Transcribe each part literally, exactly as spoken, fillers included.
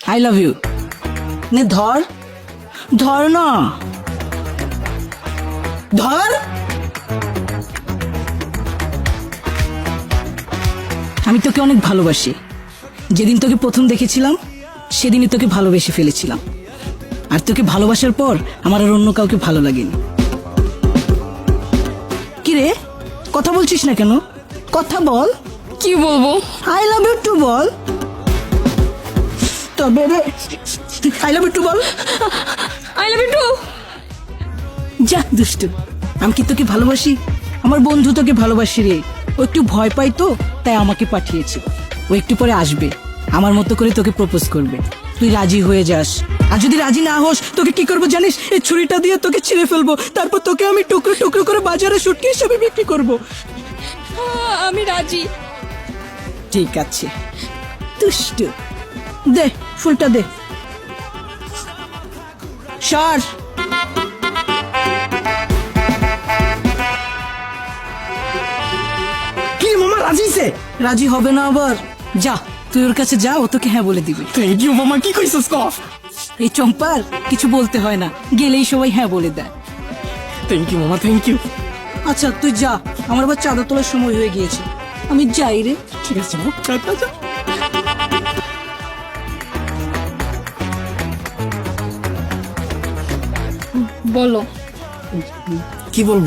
I love you. নে ধর ধর না, ধর। আমি তোকে অনেক ভালোবাসি। যেদিন তোকে প্রথম দেখেছিলাম সেদিনই তোকে ভালোবেসে ফেলেছিলাম। আর তোকে ভালোবাসার পর আমার আর অন্য কাউকে ভালো লাগেনি। কি রে, কথা বলছিস না কেন? কথা বল। কি বলবো? আই লাভ ইউ টু বল। তবে রে, আই লাভ ইউ টু বল। I love you too. যা দুষ্টু, আমি কি তোকে ভালোবাসি? আমার বন্ধু তোকে ভালোবাসি রে। ও একটু ভয় পাই তো, তাই আমাকে পাঠিয়েছে। ও একটু পরে আসবে, আমার মতো করে তোকে প্রপোজ করবে। তুই রাজি হয়ে যাস। আর যদি রাজি না হোস, তোকে কি করবো জানিস? এই ছুরিটা দিয়ে তোকে ছিঁড়ে ফেলবো, তারপর তোকে আমি টুকরো টুকরো করে বাজারে শুটকি হিসেবে বিক্রি করবো। আমি রাজি। ঠিক আছে দুষ্টু, দে ফুলটা দে। সর। কি মামা রাজি সে? রাজি হবে না আবার? যা তুই ওর কাছে যা, ও তোকে হ্যাঁ বলে দিবি। থ্যাংক ইউ মামা, কি কইছস ক? এই চম্পার কিছু বলতে হয় না, গেলেই সবাই হ্যাঁ বলে দেয়। থ্যাংক ইউ মামা, থ্যাংক ইউ। আচ্ছা তুই যা, আমার আবার চাঁদা তোলার সময় হয়ে গিয়েছে। আমি যাই রে। ঠিক আছে মামা, যা, যা। বলো, কি বলবো?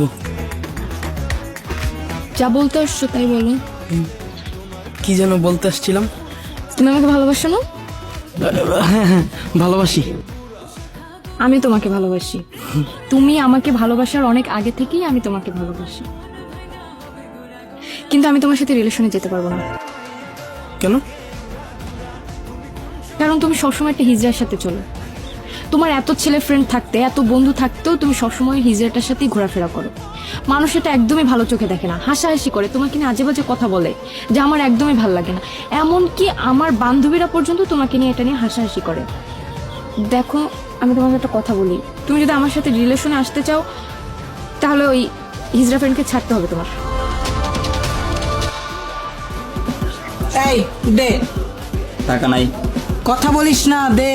যা বলতে আসছো তাই বলো। কি যেন বলতে আসছিলাম। তুমি আমাকে ভালোবাসো না? হ্যাঁ হ্যাঁ, ভালোবাসি। আমি তোমাকে ভালোবাসি। তুমি আমাকে ভালোবাসার অনেক আগে থেকেই আমি তোমাকে ভালোবাসি। কিন্তু আমি তোমার সাথে রিলেশনে যেতে পারবো না। কেন? কারণ তুমি সবসময় একটা হিজড়ার সাথে চলো। তোমার এত ছেলে ফ্রেন্ড থাকতে, এত বন্ধু থাকতেও তুমি সবসময় হিজড়াটার সাথেই ঘোরাফেরা করো। মানুষ এটা একদমই ভালো চোখে দেখে না, হাসাহাসি করে, তোমাকে নিয়ে আজে বাজে কথা বলে, যা আমার একদমই ভালো লাগে না। এমনকি আমার বান্ধবীরা পর্যন্ত তোমাকে নিয়ে এটা নিয়ে হাসাহাসি করে। দেখো, আমি তোমাকে একটা কথা বলি, তুমি যদি আমার সাথে রিলেশনে আসতে চাও তাহলে ওই হিজড়া ফ্রেন্ডকে ছাড়তে হবে তোমার। এই দে। টাকা নাই। কথা বলিস না, দে।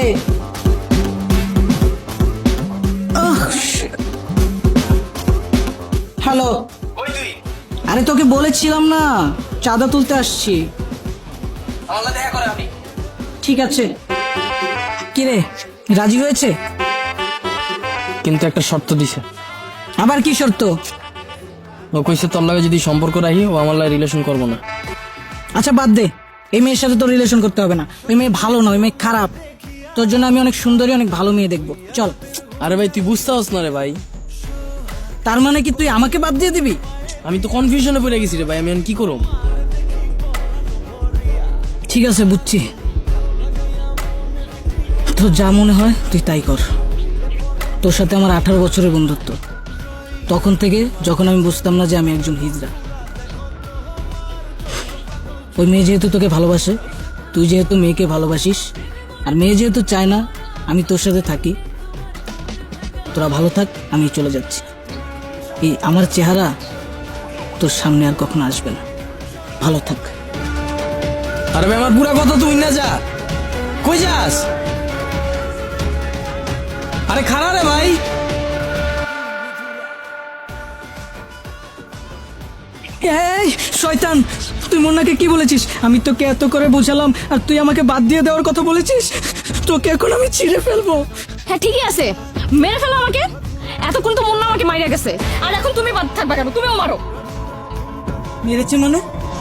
হ্যালো। আরে তোকে বলেছিলাম না চাঁদা তুলতে আসছি। দেখা করে আমি। ঠিক আছে। কিরে, রাজি হয়েছে? কিন্তু একটা শর্ত দিছে। আবার কি শর্ত? ও কইছে তোর লাগে যদি সম্পর্ক রাখি, ও আমার লাগে রিলেশন করবো না। আচ্ছা বাদ দে, এই মেয়ের সাথে তোর রিলেশন করতে হবে না। ওই মেয়ে ভালো না, ওই মেয়ে খারাপ। তোর জন্য আমি অনেক সুন্দরী, অনেক ভালো মেয়ে দেখবো। চল। আরে ভাই তুই বুঝতে পারছ না রে ভাই। তার মানে কি তুই আমাকে বাদ দিয়ে দিবি? আমি তো কনফিউশনে পড়ে গেছি রে ভাই, আমি এখন কি করব? ঠিক আছে, বুঝছি। তোর যা মনে হয় তুই তাই কর। তোর সাথে আমার আঠারো বছরের বন্ধুত্ব, তখন থেকে যখন আমি বুঝতাম না যে আমি একজন হিজড়া। ওই মেয়ে যেহেতু তোকে ভালোবাসে, তুই যেহেতু মেয়েকে ভালোবাসিস, আর মেয়ে যেহেতু চায় না আমি তোর সাথে থাকি, তোরা ভালো থাক, আমি চলে যাচ্ছি। এই আমার চেহারা তোর সামনে আর কখনো আসবে না। ভালো থাক। আরে ভাই আমার পুরা কথা তুই না যা। কই যাস? আরে খারা রে ভাই। এই শয়তান, তুই মুন্নাকে কি বলেছিস? আমি তোকে এত করে বোঝালাম আর তুই আমাকে বাদ দিয়ে দেওয়ার কথা বলেছিস। তোকে এখন আমি ছিঁড়ে ফেলবো। হ্যাঁ ঠিকই আছে, মেরে ফেলো আমাকে। এতক্ষণ তো মুন্না আমাকে মাইরা গেছে, আর এখন তুমি বাদ থাকবা কেন? তুমিও মারো। মেরেছে মানে?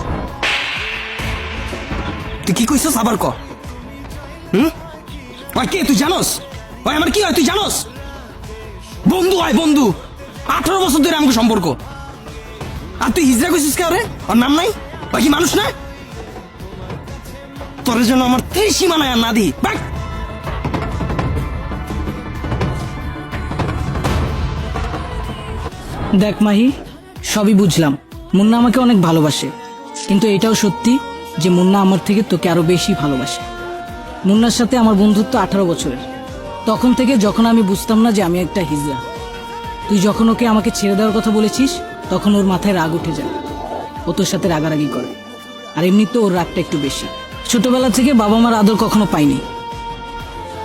তুই কি কইছস আবার ক? হুম? ওই কে তুই জানোস? ওই আমার কি হয় তুই জানোস? বন্ধু হয় বন্ধু। আঠারো বছর ধরে আমাকে সম্পর্ক। আর তুই হিজড়া কইছিস কে? ওরে ওর নাম নাই? ওই কি মানুষ না? তোর জন্য আমার ত্রিসীমা নাই আর না দি। বাক! দেখ মাহি, সবই বুঝলাম, মুন্না আমাকে অনেক ভালোবাসে, কিন্তু এটাও সত্যি যে মুন্না আমার থেকে তোকে আরো বেশি ভালোবাসে। মুন্নার সাথে আমার বন্ধুত্ব আঠারো বছরের, তখন থেকে যখন আমি বুঝতাম না যে আমি একটা হিজড়া। তুই যখন ওকে আমাকে ছেড়ে দেওয়ার কথা বলেছিস, তখন ওর মাথায় রাগ উঠে যায়, ও তোর সাথে রাগারাগি করে। আর এমনি তো ওর রাগটা একটু বেশি। ছোটবেলা থেকে বাবা মার আদর কখনো পাইনি,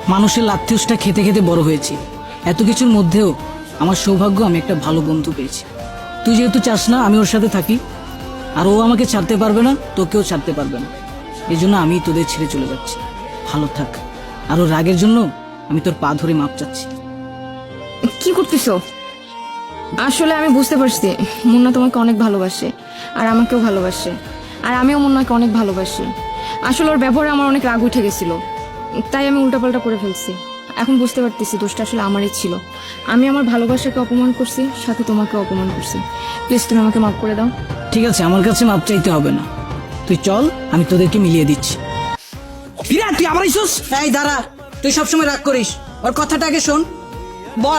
মানুষের লাথিউসটা খেতে খেতে বড় হয়েছি। এত কিছুর মধ্যেও আমার সৌভাগ্য আমি একটা ভালো বন্ধু পেয়েছি। তুই যেহেতু চাস না আমি ওর সাথে থাকি, আর ও আমাকে ছাড়তে পারবে না, তোকেও ছাড়তে পারবে না, এই জন্য আমি তোদের ছেড়ে চলে যাচ্ছি। ভালো থাক। আর ওর রাগের জন্য আমি তোর পা ধরে মাপ চাচ্ছি। কি করতেছো? আসলে আমি বুঝতে পারছি মুন্না তোমাকে অনেক ভালোবাসে, আর আমাকেও ভালোবাসে, আর আমিও মুন্নাকে অনেক ভালোবাসি। আসলে ওর ব্যবহারে আমার অনেক রাগ উঠে গেছিল, তাই আমি উল্টাপাল্টা করে ফেলছি। এখন বুঝতে পারতেছি দোষটা আসলে আমারই ছিল। আমি আমার ভালোবাসাকে অপমান করছি, সাথে তোমাকে অপমান করছি। প্লিজ তুমি আমাকে মাফ করে দাও। ঠিক আছে, আমার কাছে মাপ চাইতে হবে না, তুই চল, আমি তোদেরকে মিলিয়ে দিচ্ছি। বিরাট তুই আবার আইসস? এই দাঁড়া, তুই সবসময় রাগ করিস, ওর কথাটা আগে শোন, বল।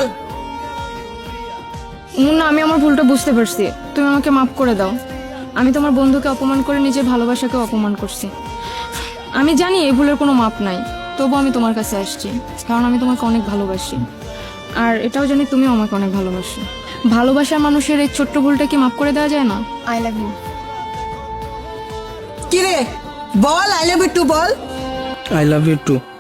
মুন্না, আমি আমার ভুলটা বুঝতে পারছি, তুমি আমাকে মাফ করে দাও। আমি তোমার বন্ধুকে অপমান করে নিজের ভালোবাসাকে অপমান করছি। আমি জানি এই ভুলের কোনো মাপ নাই, তবু আমি তোমার কাছে আসছি, কারণ আমি তোমাকে অনেক ভালোবাসি, আর এটাও জানি তুমিও আমাকে অনেক ভালোবাসো। ভালোবাসার মানুষের এই ছোট্ট ভুলটা কি মাফ করে দেওয়া যায় না? I love you. কি রে, বল আই লাভ ইউ টু বল। I love you two.